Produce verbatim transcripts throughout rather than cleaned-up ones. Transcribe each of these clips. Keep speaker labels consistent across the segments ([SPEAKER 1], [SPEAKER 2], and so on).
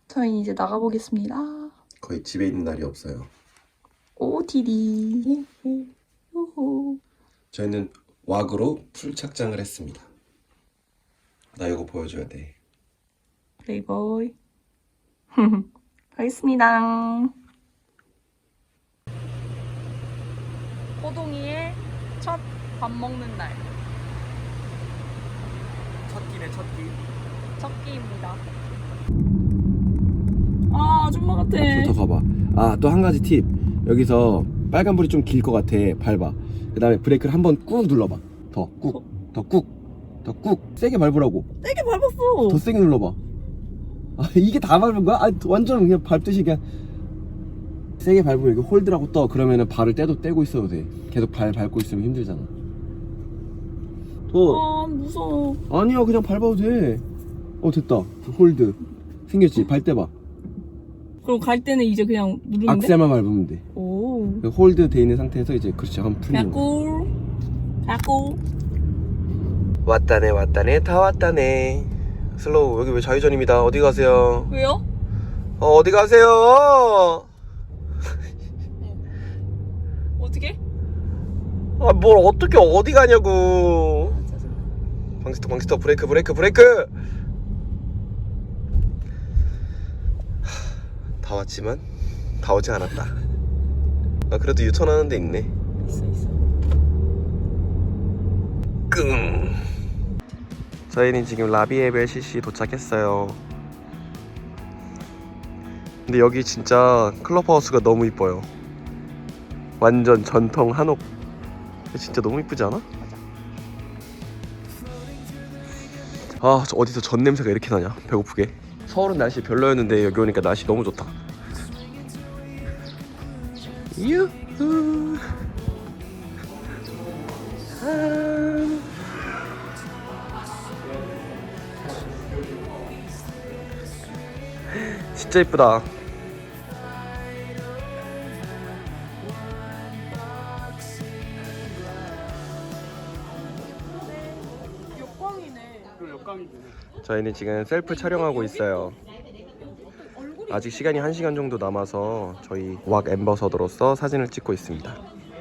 [SPEAKER 1] 저희는 이제 나가보겠습니다.
[SPEAKER 2] 거의 집에 있는 날이 없어요.
[SPEAKER 1] 오티디. 우후.
[SPEAKER 2] 저희는 왁으로 풀 착장을 했습니다. 나 이거 보여줘야 돼.
[SPEAKER 1] 플레이보이. 가겠습니다. 호동이의 첫 밥 먹는 날.
[SPEAKER 2] 첫 끼네, 첫 끼.
[SPEAKER 1] 첫 끼입니다. 아, 아줌마 같아.
[SPEAKER 2] 더 가봐. 아, 또 한 가지 팁. 여기서 빨간불이 좀 길 것 같아. 밟아. 그 다음에 브레이크를 한번 꾹 눌러봐. 더 꾹, 더 꾹, 더 꾹. 세게 밟으라고.
[SPEAKER 1] 세게 밟았어.
[SPEAKER 2] 더 세게 눌러봐. 아, 이게 다 밟은 거야? 아, 완전 그냥 밟듯이 그냥 세게 밟으면 여기 홀드라고 떠. 그러면은 발을 떼도 떼고 있어도 돼. 계속 발 밟고 있으면 힘들잖아. 더.
[SPEAKER 1] 아, 무서워.
[SPEAKER 2] 아니야, 그냥 밟아도 돼. 어, 됐다. 홀드 생겼지? 발 떼봐.
[SPEAKER 1] 그럼 갈 때는 이제 그냥 누르면 돼?
[SPEAKER 2] 악셀만 밟으면 돼.
[SPEAKER 1] 오.
[SPEAKER 2] 홀드 돼 있는 상태에서 이제 그렇지, 한번 풀리는 거.
[SPEAKER 1] 가고. 가고.
[SPEAKER 2] 왔다네, 왔다네, 다 왔다네. 슬로우, 여기 왜 좌회전입니다. 어디 가세요?
[SPEAKER 1] 왜요?
[SPEAKER 2] 어, 어디 가세요?
[SPEAKER 1] 어떻게?
[SPEAKER 2] 아, 뭘 어떻게 어디 가냐고. 방스터, 방스터, 브레이크, 브레이크, 브레이크. 하, 다 왔지만 다 오지 않았다. 아, 그래도 유턴하는 데 있네.
[SPEAKER 1] 있어, 있어.
[SPEAKER 2] 끙. 저희는 지금 라비에벨시시 도착했어요. 근데 여기 진짜 클럽하우스가 너무 이뻐요. 완전 전통 한옥. 진짜 너무 이쁘지 않아? 아, 저 어디서 전 냄새가 이렇게 나냐? 배고프게. 서울은 날씨 별로였는데 여기 오니까 날씨 너무 좋다. 유후. 아. 진짜 이쁘다. 저희는 지금 셀프 촬영하고 있어요. 아직 시간이 한 시간 정도 남아서 저희 왁 앰버서더로서 사진을 찍고 있습니다.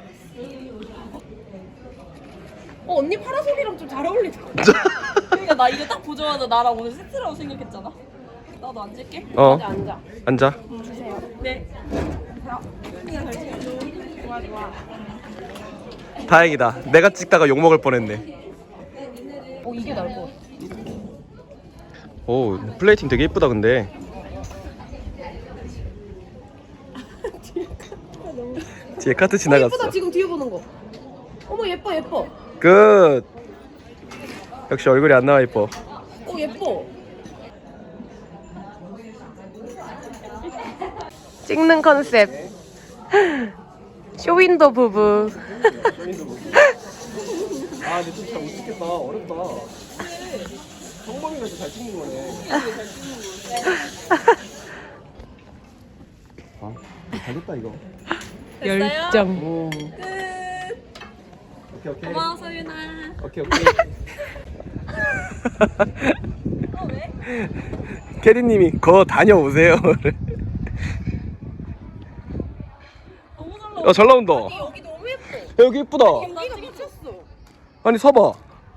[SPEAKER 1] 어, 언니 파라솔이랑 좀 잘 어울리다. 그러니까 나 이거 딱 보자마자 나랑 오늘 세트라고 생각했잖아. 나도 앉을게.
[SPEAKER 2] 어.
[SPEAKER 1] 앉아, 앉아.
[SPEAKER 2] 앉아.
[SPEAKER 1] 응, 주세요. 네. 자, 언니가 잘 찍어줘. 좋아, 좋아.
[SPEAKER 2] 다행이다. 내가 찍다가 욕 먹을 뻔했네.
[SPEAKER 1] 어, 이게 나을 것 같아.
[SPEAKER 2] 오, 플레이팅 되게 예쁘다 근데. 뒤에 카트 지나갔어.
[SPEAKER 1] 예쁘다, 지금 뒤에 보는 거. 어머, 예뻐, 예뻐.
[SPEAKER 2] 끝. 역시 얼굴이 안 나와 이뻐.
[SPEAKER 1] 어, 예뻐. 찍는 컨셉. 쇼윈도 부부.
[SPEAKER 2] 아, 근데 좀 잘 못 찍겠다. 어렵다. 성범이가 잘 찍는 거네. 아, 잘됐다 이거.
[SPEAKER 1] 열정.
[SPEAKER 2] 오.
[SPEAKER 1] 끝.
[SPEAKER 2] 오케이 오케이.
[SPEAKER 1] 고마워, 서윤아.
[SPEAKER 2] 오케이 오케이.
[SPEAKER 1] 어, 왜?
[SPEAKER 2] 캐디님이 거 다녀오세요.
[SPEAKER 1] 너무 잘 나와.
[SPEAKER 2] 야, 잘 나온다.
[SPEAKER 1] 아니, 여기 너무 예뻐.
[SPEAKER 2] 야, 여기 이쁘다.
[SPEAKER 1] 여기가 미쳤어.
[SPEAKER 2] 아니 서봐.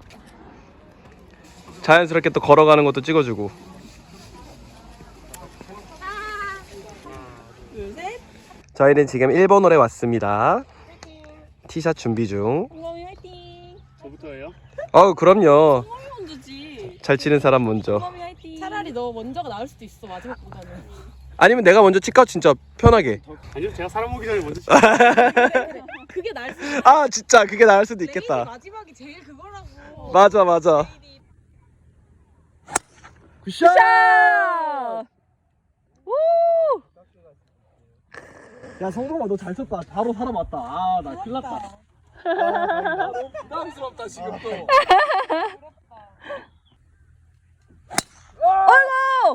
[SPEAKER 2] 자연스럽게 또 걸어가는 것도 찍어주고.
[SPEAKER 1] 둘, 셋.
[SPEAKER 2] 저희는 지금 일본홀에 왔습니다. 티샷 준비 중.
[SPEAKER 1] 공범이 화이팅.
[SPEAKER 3] 저부터예요?
[SPEAKER 2] 어, 그럼요.
[SPEAKER 1] 공범이 먼저지.
[SPEAKER 2] 잘 치는 사람 먼저.
[SPEAKER 1] 공범이 화이팅. 차라리 너 먼저가 나을 수도 있어, 마지막보다는.
[SPEAKER 2] 아니면 내가 먼저 칠까? 진짜 편하게.
[SPEAKER 3] 아니요, 제가 사람 오기 전에 먼저
[SPEAKER 1] 그래, 그래. 그게 나을 수도 있어.
[SPEAKER 2] 아, 진짜 그게 나을 수도
[SPEAKER 1] 레인이
[SPEAKER 2] 있겠다.
[SPEAKER 1] 마지막이 제일 그거라고.
[SPEAKER 2] 맞아 맞아. 굿샷!
[SPEAKER 1] 우!
[SPEAKER 2] 야, 성범아 너 잘 쳤다. 바로 사람 왔다. 아, 나 큰일 났다. 아, 너무 부담스럽다 지금 또.
[SPEAKER 1] 아이고!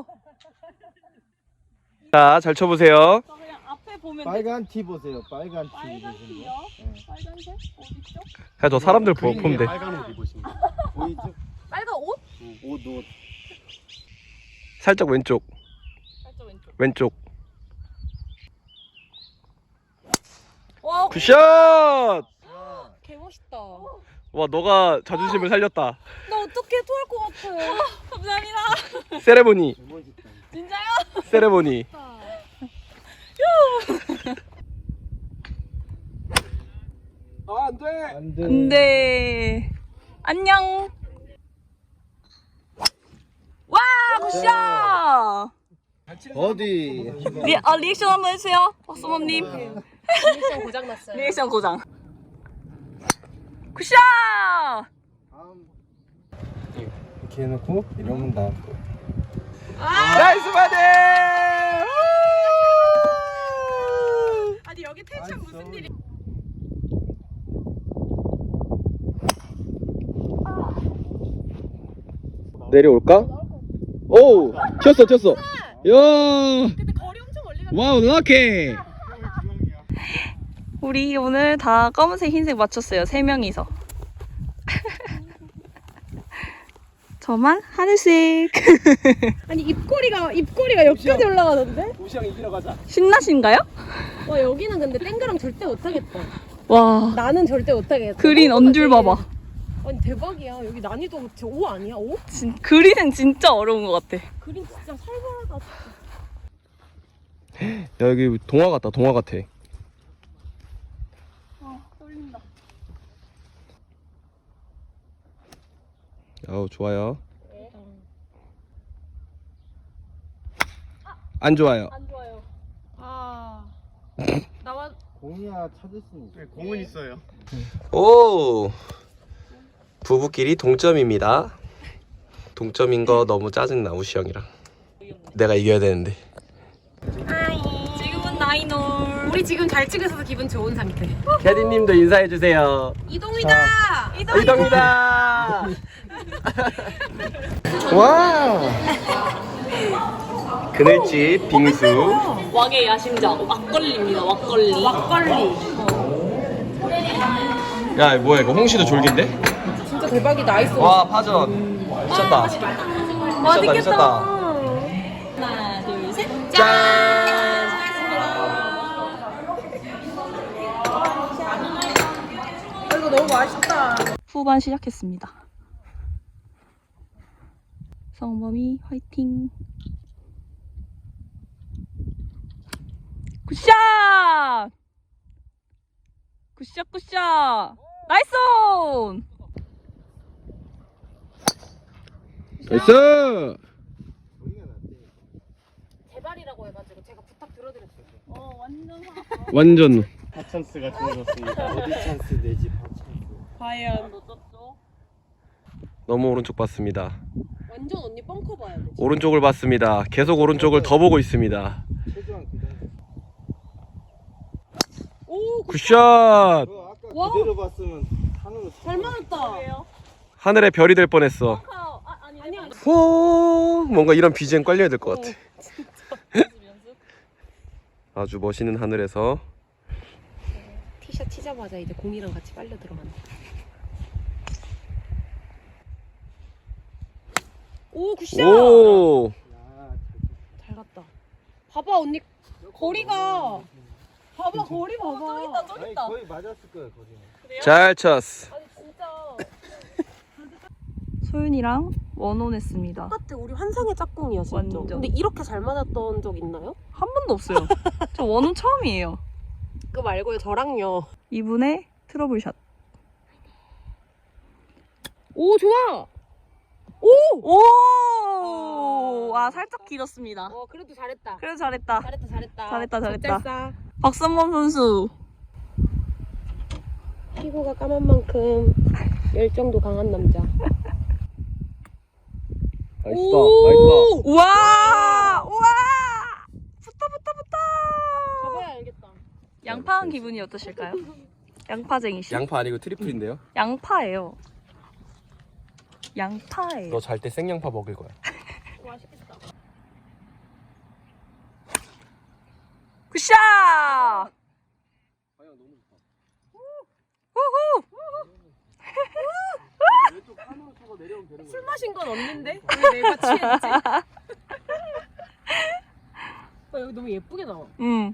[SPEAKER 2] 자, 잘 쳐보세요.
[SPEAKER 1] 저 그냥 앞에 보면
[SPEAKER 4] 빨간 티 보세요. 빨간 티.
[SPEAKER 1] 빨간
[SPEAKER 4] 보시면.
[SPEAKER 1] 티요? 빨간색? 어딨죠?
[SPEAKER 2] 야, 저 사람들 보,
[SPEAKER 3] 그린
[SPEAKER 2] 보면
[SPEAKER 3] 위에
[SPEAKER 2] 돼.
[SPEAKER 3] 빨간 옷 입으신 거.
[SPEAKER 4] 보이죠?
[SPEAKER 1] 빨간 옷?
[SPEAKER 4] 옷, 옷.
[SPEAKER 2] 살짝 왼쪽.
[SPEAKER 1] 살짝 왼쪽.
[SPEAKER 2] 왼쪽.
[SPEAKER 1] 와,
[SPEAKER 2] 굿샷!
[SPEAKER 1] 개멋있다.
[SPEAKER 2] 와, 너가 자존심을 살렸다.
[SPEAKER 1] 나 어떻게 토할 것 같아. 감사합니다.
[SPEAKER 2] 세레모니.
[SPEAKER 1] 진짜요?
[SPEAKER 2] 세레모니. 아, 안 돼.
[SPEAKER 4] 안 돼.
[SPEAKER 1] 안돼. 안녕. 와, 굿샷.
[SPEAKER 4] 어디?
[SPEAKER 1] 리, 아, 리액션 한번 해주세요. 박수범님.
[SPEAKER 5] 리액션 고장났어요.
[SPEAKER 1] 리액션 고장. 굿샷.
[SPEAKER 4] 이렇게 해놓고 이러면 나.
[SPEAKER 2] 나이스 바디!
[SPEAKER 1] 아니 여기 텐션 무슨 일이?
[SPEAKER 2] 내려올까? 오! 튀었어, 튀었어. 야!
[SPEAKER 1] 근데 거리 엄청 멀리 가.
[SPEAKER 2] 와우, 럭키!
[SPEAKER 1] 우리 오늘 다 검은색, 흰색 맞췄어요. 세 명이서. 저만 하늘색. 아니 입꼬리가 입꼬리가 여기까지 올라가던데?
[SPEAKER 2] 우시형 이기러 가자.
[SPEAKER 1] 신나신가요?
[SPEAKER 5] 와 여기는 근데 땡그랑 절대 못하겠다.
[SPEAKER 1] 와,
[SPEAKER 5] 나는 절대 못하겠다.
[SPEAKER 1] 그린 언줄 봐봐.
[SPEAKER 5] 아니 대박이야. 여기 난이도 진짜 오 아니야? 오?
[SPEAKER 1] 진, 그린은 진짜 어려운 것 같아.
[SPEAKER 5] 그린 진짜 살벌하다.
[SPEAKER 2] 야, 여기 동화 같다, 동화 같아.
[SPEAKER 1] 아, 떨린다.
[SPEAKER 2] 아우, 좋아요. 안 좋아요.
[SPEAKER 5] 안 좋아요. 아 나와
[SPEAKER 4] 공이야 찾을 수 있어.
[SPEAKER 3] 네, 공은 있어요.
[SPEAKER 2] 오! 부부끼리 동점입니다. 동점인 거 너무 짜증나, 우시 형이랑. 내가 이겨야 되는데.
[SPEAKER 1] 지금은 나이놀.
[SPEAKER 5] 우리 지금 잘 찍어서 기분 좋은 상태.
[SPEAKER 2] 캐디님도 인사해주세요.
[SPEAKER 5] 이동이다.
[SPEAKER 2] 이동이다! 와! 그늘집 빙수.
[SPEAKER 1] 왕의 야심작 막걸리입니다. 막걸리. 막걸리.
[SPEAKER 2] 야, 뭐야, 이거 홍시도 졸긴데?
[SPEAKER 5] 진짜 대박이다. 아이스.
[SPEAKER 2] 와, 파전. 미쳤다. 미쳤다, 미쳤다.
[SPEAKER 1] 하나, 둘, 셋.
[SPEAKER 2] 짠!
[SPEAKER 5] 이거 너무 맛있다.
[SPEAKER 1] 후반 시작했습니다. 성범이 화이팅. 굿샷! 굿샷 굿샷! 나이스 온!
[SPEAKER 2] 나이스!
[SPEAKER 5] 제발이라고 해가지고 제가 부탁 들어드렸어요.
[SPEAKER 1] 어 완전
[SPEAKER 2] 완전.
[SPEAKER 3] 하찬스가 주어졌습니다.
[SPEAKER 4] 어디 찬스 내지 바 찬스.
[SPEAKER 1] 과연 놓쳤죠?
[SPEAKER 2] 너무 오른쪽 봤습니다.
[SPEAKER 5] 완전 언니 뻥커 봐야 돼.
[SPEAKER 2] 오른쪽을 봤습니다. 계속 오른쪽을 더 보고 있습니다.
[SPEAKER 4] 최소한 그 정도.
[SPEAKER 5] 오
[SPEAKER 2] 굿샷!
[SPEAKER 4] 그거 아까
[SPEAKER 5] 와.
[SPEAKER 4] 그대로 봤으면 하늘로
[SPEAKER 5] 잘 맞았다.
[SPEAKER 2] 하늘의 별이 될 뻔했어.
[SPEAKER 1] 아, 아니
[SPEAKER 5] 아니야.
[SPEAKER 2] 호 뭔가 이런 비지엠 깔려야 될 것 같아. 아주 멋있는 하늘에서.
[SPEAKER 5] 티샷 치자마자 이제 공이랑 같이 빨려 들어간다. 오 굿샷.
[SPEAKER 2] 오!
[SPEAKER 5] 잘 갔다. 봐봐 언니 거리가. 봐봐 거리 봐봐.
[SPEAKER 1] 저기 있다 저기
[SPEAKER 4] 아니
[SPEAKER 1] 있다.
[SPEAKER 4] 거의 맞았을 거야 거리는.
[SPEAKER 2] 잘 쳤어.
[SPEAKER 5] 아니 진짜
[SPEAKER 1] 소윤이랑 원혼했습니다.
[SPEAKER 5] 똑같아. 우리 환상의 짝꿍이야 진짜.
[SPEAKER 1] 완전.
[SPEAKER 5] 근데 이렇게 잘 맞았던 적 있나요?
[SPEAKER 1] 한 번도 없어요. 저 원혼 처음이에요.
[SPEAKER 5] 그거 말고요 저랑요.
[SPEAKER 1] 이분의 트러블샷.
[SPEAKER 5] 오 좋아.
[SPEAKER 1] 오! 아 살짝 길었습니다.
[SPEAKER 5] 어 그래도 잘했다.
[SPEAKER 1] 그래도 잘했다.
[SPEAKER 5] 잘했다 잘했다.
[SPEAKER 1] 잘했다, 잘했다.
[SPEAKER 5] 적잘싸.
[SPEAKER 1] 박선범 선수.
[SPEAKER 5] 피부가 까만 만큼 열정도 강한 남자.
[SPEAKER 2] 나이스다, 나이스다.
[SPEAKER 1] 우와! 우와! 붙어 붙어 붙어!
[SPEAKER 5] 가봐야 알겠다.
[SPEAKER 1] 양파한 기분이 어떠실까요? 양파쟁이씨.
[SPEAKER 2] 양파 아니고 트리플인데요?
[SPEAKER 1] 양파예요. 양파예요.
[SPEAKER 2] 너 잘 때 생양파 먹을 거야.
[SPEAKER 5] 맛있겠다.
[SPEAKER 1] 굿샷! 우후!
[SPEAKER 5] 술 마신 건 없는데? 왜 내가 취했지? 너무 예쁘게 나와.
[SPEAKER 1] 응.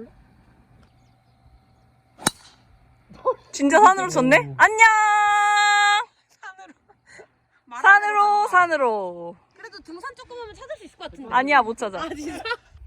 [SPEAKER 1] 진짜 산으로 쳤네? 안녕! 산으로. 산으로, 산으로.
[SPEAKER 5] 그래도 등산 조금 하면 찾을 수 있을 것 같은데.
[SPEAKER 1] 아니야, 못 찾아.
[SPEAKER 5] 아 진짜?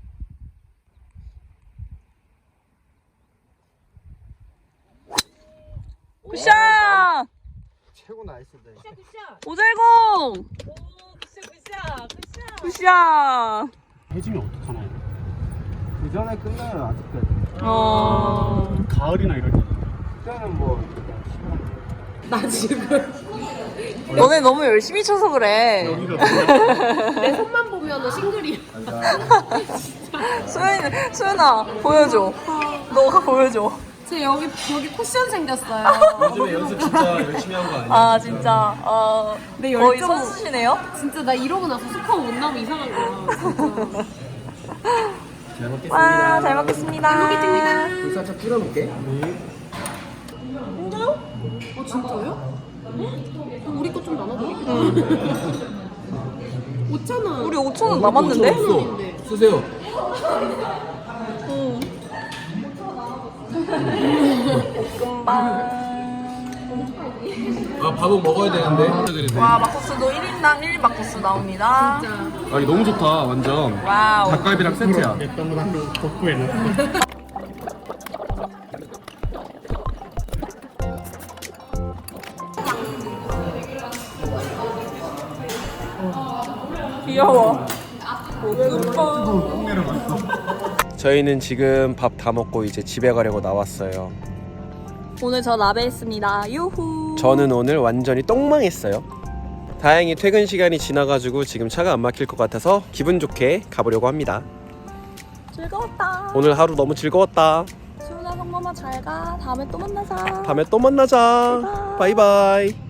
[SPEAKER 1] 굿샷!
[SPEAKER 4] 최고 나이스다.
[SPEAKER 5] 굿샷 굿샷.
[SPEAKER 1] 오잘공!
[SPEAKER 5] 오 굿샷 굿샷 굿샷.
[SPEAKER 1] 굿샷!
[SPEAKER 3] 해지면 어떡하나요?
[SPEAKER 4] 그 전에 끝나요 아직까지.
[SPEAKER 1] 어.
[SPEAKER 3] 가을이나 이럴 때.
[SPEAKER 4] 그때는 뭐
[SPEAKER 5] 나 지금
[SPEAKER 1] 너네 너무 열심히 쳐서 그래.
[SPEAKER 5] 내 손만 보면 싱글이야.
[SPEAKER 1] 소연이, 소연아, 보여줘. 너가 보여줘.
[SPEAKER 5] 제 여기 여기 쿠션 생겼어요.
[SPEAKER 2] 요즘에 연습 진짜 열심히 한 거 아니야?
[SPEAKER 1] 아, 진짜. 어,
[SPEAKER 5] 내
[SPEAKER 1] 거의
[SPEAKER 5] 열정.
[SPEAKER 1] 선수시네요?
[SPEAKER 5] 진짜 나 이러고 나서 스코어 못 나면 이상한 거야. 진짜.
[SPEAKER 2] 잘 먹겠습니다.
[SPEAKER 1] 와, 잘 먹겠습니다. 잘 먹겠습니다.
[SPEAKER 2] 불 살짝 뿌려볼게.
[SPEAKER 5] 어 진짜요? 그럼 우리 거 좀 나눠드릴까? 오천 원.
[SPEAKER 1] 우리 오천 원 남았는데?
[SPEAKER 2] 없어. 쓰세요.
[SPEAKER 1] 응. 볶음밥.
[SPEAKER 2] 아 밥은 먹어야 되는데.
[SPEAKER 1] 와, 막국수도 일 인당 일 인 막국수 나옵니다.
[SPEAKER 2] 아니 너무 좋다 완전.
[SPEAKER 1] 와우.
[SPEAKER 2] 닭갈비랑 세트야.
[SPEAKER 3] 냈던 거 한번 덮고 해놨어.
[SPEAKER 1] 귀여워.
[SPEAKER 2] 저희는 지금 밥 다 먹고 이제 집에 가려고 나왔어요.
[SPEAKER 1] 오늘 저 라베했습니다. 유후.
[SPEAKER 2] 저는 오늘 완전히 똥망했어요. 다행히 퇴근 시간이 지나가지고 지금 차가 안 막힐 것 같아서 기분 좋게 가보려고 합니다.
[SPEAKER 1] 즐거웠다.
[SPEAKER 2] 오늘 하루 너무 즐거웠다.
[SPEAKER 1] 수은아, 성범아 잘 가. 다음에 또 만나자.
[SPEAKER 2] 다음에 또 만나자. 바이바이.